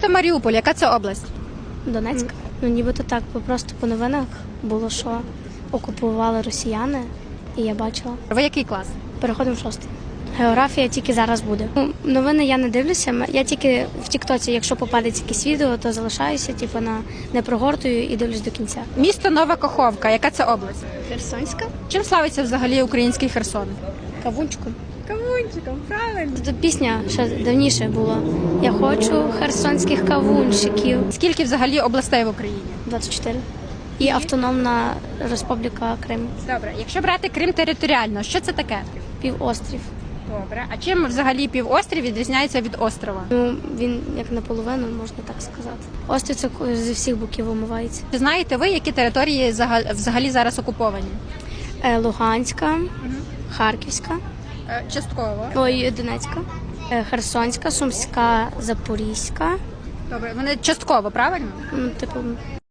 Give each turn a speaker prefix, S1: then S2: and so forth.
S1: Місто Маріуполь, яка це область?
S2: Донецьк. Ну нібито так, бо просто по новинах було, що окупували росіяни, і я бачила.
S1: Ви який клас?
S2: Переходимо в 6. Географія тільки зараз буде. Новини я не дивлюся, я тільки в Тіктоці, якщо попадеться якесь відео, то залишаюся, не прогортую і дивлюсь до кінця.
S1: Місто Нова Каховка, яка це область?
S2: Херсонська?
S1: Чим славиться взагалі український Херсон?
S2: Кавунчиком.
S1: Кавунчиком, правильно.
S2: Це пісня ще давніше була. Я хочу херсонських кавунчиків.
S1: Скільки взагалі областей в Україні?
S2: 24. І Автономна Республіка Крим.
S1: Добре, якщо брати Крим територіально, що це таке?
S2: Півострів.
S1: Добре. А чим взагалі півострів відрізняється від острова?
S2: Ну, він як наполовину, можна так сказати. Острів це зі всіх боків омивається.
S1: Чи знаєте ви, які території взагалі зараз окуповані?
S2: Луганська, Харківська,
S1: Частково.
S2: Донецька, Херсонська, Сумська, Запорізька.
S1: Добре, вони частково, правильно?
S2: Типу,